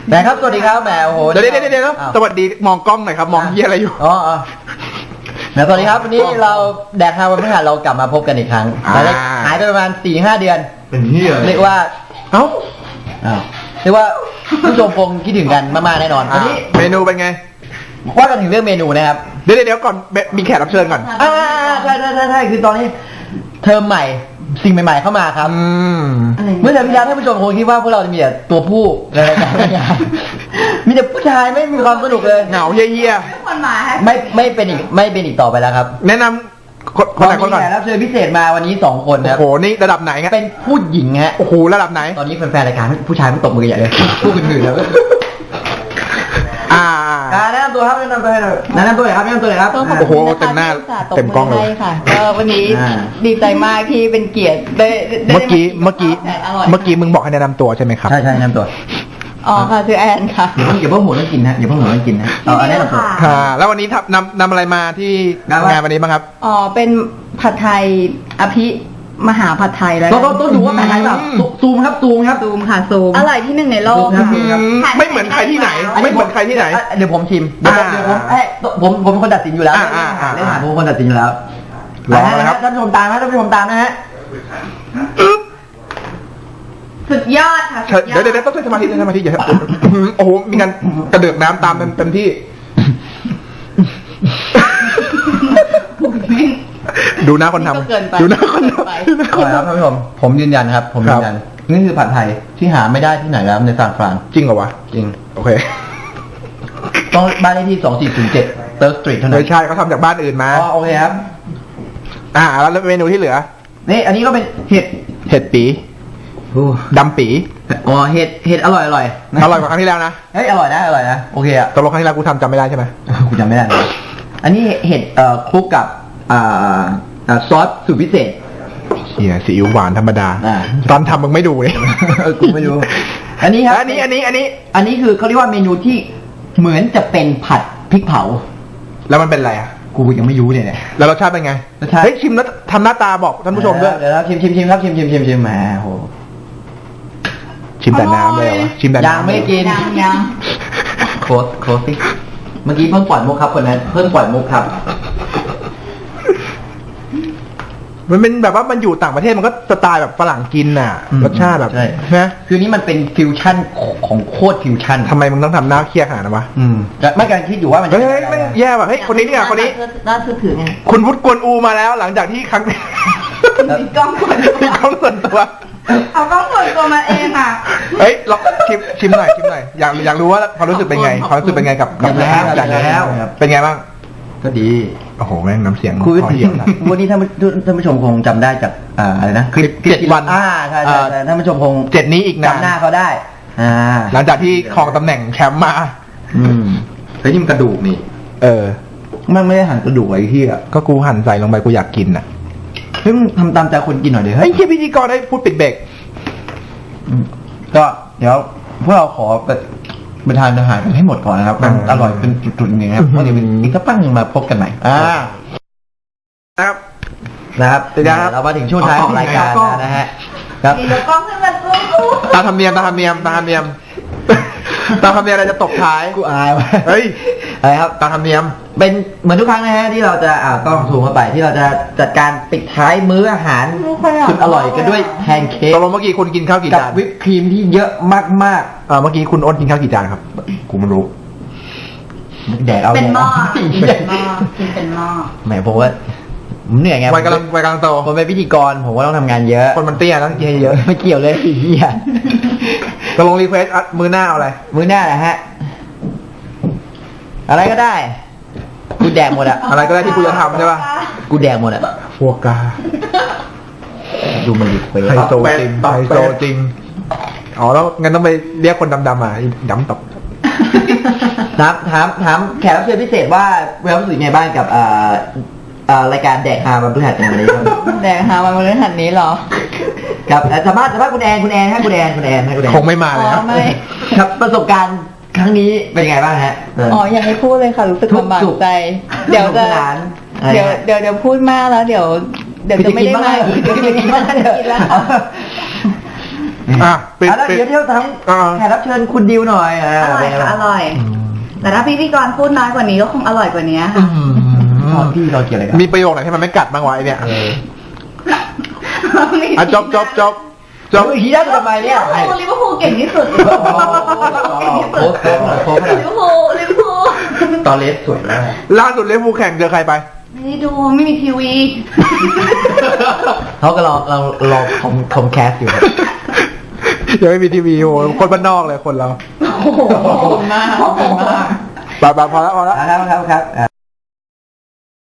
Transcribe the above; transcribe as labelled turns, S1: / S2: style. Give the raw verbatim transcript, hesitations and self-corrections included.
S1: แหมครับสวัสดีครับแหมโอ้โห
S2: เดี๋ยวเดี๋ยวเดี๋ยวสวัสดีมองกล้องหน่อยครับมองเหี้ยอะไรอยู่
S1: อ๋อแหมสวัสดีครับวันนี้เราแดกฮาวันพฤหัสเรากลับมาพบกันอีกครั้งหายไปประมาณ สี่ห้า เดือน
S2: เป็นเหี้ย
S1: เรียกว่าเอ้าอ้าวเรียกว่าผู้ชมคงคิดถึงกันมากๆแน่นอนวันนี้
S2: เมนูเป็นไง
S1: ว่ากันถึงเรื่องเมนูนะครับ
S2: เดี๋ยวเดี๋ยวก่อนมีแขกรับเชิญก่อน
S1: อ่าใช่ใช่ใช่ใช่คือตอนนี้เทอมใหม่สิ่งใหม่ๆเข้ามาครับเมื่อเดือนที่แล้วท่านผู้ชมคงคิดว่าพวกเราจะมีแต่ตัวผู้ในรายการมีแต่ผู้ชายไม่มีความสนุกเลย
S2: เหงาเยี่ย
S1: ๆไม่ไม่เป็นอีกไม่เป็นอีกต่อไปแล้วครับ
S2: แนะนำคนไหนคนก่อน
S1: แขกรับเชิญพิเศษมาวันนี้สองคนครับ
S2: โอ้โหนี่ระดับไหนครับ
S1: เป็นผู้หญิงฮะ
S2: โอ้โหระดับไหน
S1: ตอนนี้แฟนๆรายการผู้ชายไม่ตบมือใหญ่เลยผู้อื่นๆแล้ว
S2: อ่า
S1: แนะนำตัวครับแนะนำตัวให้หน่อยแนะนำตัวหน่อยครับแนะนำตัวหน่อยครับ
S2: โอ้โหเต็มหน้าเต็มกล้องเลย
S3: ค่ะก็วันนี้ดีใจมากที่เป็นเกียรติได้
S2: เมื่อกี้เมื่อกี้เมื่อกี้มึงบอกให้แนะนำตัวใช่ไหมครับ
S1: ใช่ใช่แนะนำตัว
S3: อ๋อค่ะชื่อแอนค่ะ
S1: อย่าเพิ่งอย่าเพิ่งหัวต้องกินนะอย่าเพิ่งหัวต้องกินนะเอาแนะนำตัว
S2: ค่ะแล้ววันนี้นำนำอะไรมาที่งานวันนี้บ้างครับ
S3: อ๋อเป็นผัดไทยอภิมหาผัดไทยแล้ว
S1: ต้องต้องดูว่าผัดไทยแบบซูมครับซูมครับ
S3: ซูมค่ะซูมอร่อยที่หนึ่งในโลก
S2: ไม่เหมือนใครที่ไหนไม่เหมือนใครที่ไหน
S1: เดี๋ยวผมชิมเดี๋ยวผมเดี๋ยวผมเอ้ผมผมเป็นคนตัดสินอยู่แล้วเล่นหาผมเป็นคนตัดสินอยู่แล้ว
S2: ลองนะครับ
S1: ท่านผู้ชมตามนะท่านผู้ชมตามนะฮะ
S3: สุดยอดค่ะ
S2: เดี๋ยวเดี๋ยวต้องใช้สมาธิใช้สมาธิอย่าโอ้โหมีการกระเดือกน้ำตามเต็มที่ดูหน้าคนทำดูหน้าคนทำ
S1: ครับท่านผู้ชมผมยืนยันครับผมยืนยันนี่คือผัดไทยที่หาไม่ได้ที่ไหนแล้วในซานฟราน
S2: จริงเหรอวะ
S1: จริง
S2: โอเค
S1: ต้องบ้านเลขที่สองสี่ศูนย์เจ็ดเติร์กสตรีทเท่านั้น
S2: ไม่ใช่เขาทำจากบ้านอื่นมา
S1: อ๋อโอเคครับ
S2: อ่าแล้วเมนูที่เหลือ
S1: นี่อันนี้ก็เป็นเห็ด
S2: เห็ดปีดำปี
S1: อ๋อเห็ดเห็ดอร่อยอร่อย
S2: อร่อยกว่าครั้งที่แล้วนะ
S1: เฮ้ยอร่อยนะอร่อยนะโอเคอะ
S2: ตกลงครั้งที่แล้วกูทำจำไม่ได้ใช่ไหม
S1: กูจำไม่ได้อันนี้เห็ดเอ่อคลุกกับอ่าซอสสูตรพิเศษ
S2: เฮียซีอิ๊วหวานธรรมดาตอนทำมึงไม่ดูเลย
S1: กูไม่ดูอันนี้ครับ
S2: อันนี้อันนี้อันนี้
S1: อันนี้คือเขาเรียกว่าเมนูที่เหมือนจะเป็นผัดพริกเผา
S2: แล้วมันเป็นอะไรอ่ะ
S1: กูยังไม่รู้เลยเนี่ย
S2: แล้วรสชาติเป็นไงเฮ้ยชิมแล้วทำหน้าตาบอกท่านผู้ชมด้วย
S1: เดี๋ยวชิมชิมชิมครับชิมชิมชิมชิมแหมโห
S2: ชิมแต่น้ำเลยวะชิมแต่น้ำ
S1: ยังไม่กิน
S3: ยังยัง
S1: โคตรโคตรสิเมื่อกี้เพิ่งปล่อยมุกครับคนนั้นเพิ่งปล่อยมุกครับ
S2: มันเป็นแบบว่ามันอยู่ต่างประเทศมันก็สไตล์แบบฝรั่งกินน่ะรสชาติแบบ
S1: ใช่นะคือนี้มันเป็นฟิวชั่นของโคตรฟิวชั่น
S2: ทำไมมึงต้องทำหน้าเครียดขนาดนั้นวะ
S1: อืมไม่การคิดอยู่ว่ามัน
S2: เฮ้ยไม่แย่ว่ะเฮ้ยคนนี้เนี่ยคนนี้
S3: น่าเชื่อถือไง
S2: คุณวุฒิกวนอูมาแล้วหลังจากที่ครั้ง
S3: มีกล้องส่วน
S2: มีกล้องส่วนตัว
S3: เอากล้องส่วนตัวมาเองอ่ะ
S2: เฮ้ยลองชิมชิมหน่อยชิมหน่อยอยากอยากรู้ว่าความรู้สึกเป็นไงความรู้สึกเป็นไงกับกับ
S1: แล้วแล้ว
S2: เป็นไงบ้าง
S1: ก็ดี
S2: โอ้โหแม่งน้ำเสียง
S1: คุยเหี่ยวนะวันนี้ท่านท่านผู้ชมคงจำได้จากอ่าอะไรนะ
S2: คลิปเจ็ดวัน
S1: อ่าใช่ใช่ท่านผู้ชมคง
S2: เจ็ดนี้อีกนะ
S1: จำหน้าเขาได้อ่า
S2: หลังจากที่ครองตำแหน่งแชมป์มา
S1: อืมเฮ้ยนี่มันกระดูกนี่
S2: เออ
S1: มันไม่ได้หั่นกระดูกไอ้ที่อ่ะ
S2: ก็กูหั่นใส่ลงไปกูอยากกินน่ะ
S1: เฮ้ยทำตามใจคนกินหน่อยเดี๋ยว
S2: เฮ้ยพิธีกรได้พูดปิดเบรก
S1: ก็เดี๋ยวพวกเราขอไปทานอาหารกันให้หมดก่อนนะครับมันอร่อยเป็นจุดๆอย่างเงี้ยครับเพราะเดี๋ยวอีกสักพักหนึ่งมาพบกันใหม่อ่า
S2: ครับ
S1: นะครับเรามาถึงช่วงท้ายของรายการนะฮะ
S3: ครับมีกล้องขึ้นมาซูม
S2: ตาทำเนียมตาทำเนียมตาทำเนียมตาทำเนียมอะไรจะตบท้าย
S1: กูอายว่ะ
S2: เฮ้ย
S1: อะไรครับ
S2: ตาทำเนียม
S1: เป็นเหมือนทุกครั้งนะฮะที่เราจะอ่ากล้องซูมเข้าไปที่เราจะจัดการปิดท้ายมื้ออาหารสุดอร่อยกันด้วยแพนเค้ก
S2: ตกลงเมื่อกี้คุณกินข้าวกี่จาน
S1: กับวิปครีมที่เยอะมาก
S2: ๆอ่าเมื่อกี้คุณอ้นกินข้าวกี่จานครับกูไม่รู้
S1: แดกเอา
S3: เป็นหม้อเป็นหม้อกินเป็นหม้อ
S1: แหมผมว่าผมเหนื่อยไง
S2: วัยกำลังวัยกำลังโต
S1: ผมเป็นพิธีกรผมก็ต้องทำงานเยอะ
S2: คนมันเตี้ยต้องกินเยอะ
S1: ไม่เกี่ยวเลยไอ้เหี้ย
S2: ตกลงรีเควสมื้อหน้าเอาอะไร
S1: มื้อหน้าแหละฮะอะไรก็ได้กูแดกหมดอะ
S2: อะไรก็ได้ที่กูจะทำใช่ป่ะ
S1: กูแดกหมดอะ
S2: ฟัวกา
S1: ดูมันรีเควส
S2: ไฮโซจริงไฮโซจริงอ๋อแล้วงั้นต้องไปเรียกคนดำๆมาดำตบ
S1: ถามถามถามแขกรับเชิญพิเศษว่าเวลรู้สึกไงบ้างกับอ่ารายการแดกฮาวันพฤหัสในวันนี้ครับ
S3: แดกฮาวันพฤหัสนี้หรอ
S1: กับสามารถสามารถคุณแอนคุณแอนให้คุณแอนคุณแอนให้คุณแอน
S2: คงไม่มาเลยครับ
S1: ครับประสบการณ์ครั้งนี้เป็นไงบ้างฮะ
S3: อ๋อยังไม่พูดเลยค่ะรู้สึกลำบากใจเดี๋ยวจะเดี๋ยวเดี๋ยวเดี๋ยวพูดมากแล้วเดี๋ยวเดี๋ยวจะไม่ได้มา
S1: อีกเดี๋ยวจะกินมากเดี๋ยวกินแล้ว
S2: อ่ะปิด
S1: อ่ะแล้ว
S2: ปิด
S1: เดี๋ยวเที่ยวทั้ง
S2: อ่า
S1: แขกรับเชิญคุณดิวหน่อยอ่า
S3: อร่อยค่ะอร่อย
S1: อืม
S3: แต่ถ้าพิธีกรพูดน้อยกว่านี้ก็คงอร่อยกว่านี้
S2: อื
S3: ค่ะ
S2: ม
S1: พี่เราเกี่ยวอะไรกัน
S2: มีประโยคไหนที่มันไม่กัดบ้างวะไอเนี่ย
S1: เออ
S2: อ่ะจบจบจบจ
S1: จ
S2: บ
S1: บอีกทีได้ทำไมเนี่ย
S3: ลิเวอร์พูลเก่งที่สุด
S1: โค้ชโค้ชหน่อยโค้ชหน่อย
S3: ลิเวอร์พูลลิเวอร์พูล
S1: ตอนเลสสวยมาก
S2: ล่าสุดเลี้ยงภูแข่งเจอใครไป
S3: ไม่ได้ดูไม่มีทีวี
S1: เขาก็รอเรารอคอมคอมแคสอยู่
S2: ยังไม่มีทีวีโหคนบ้านนอกเลยคนเรา
S3: โอ้โหขอบคุณมากขอบคุณมาก
S2: ไปไปพอแล้วพอแล้ว
S1: ครับครับครับ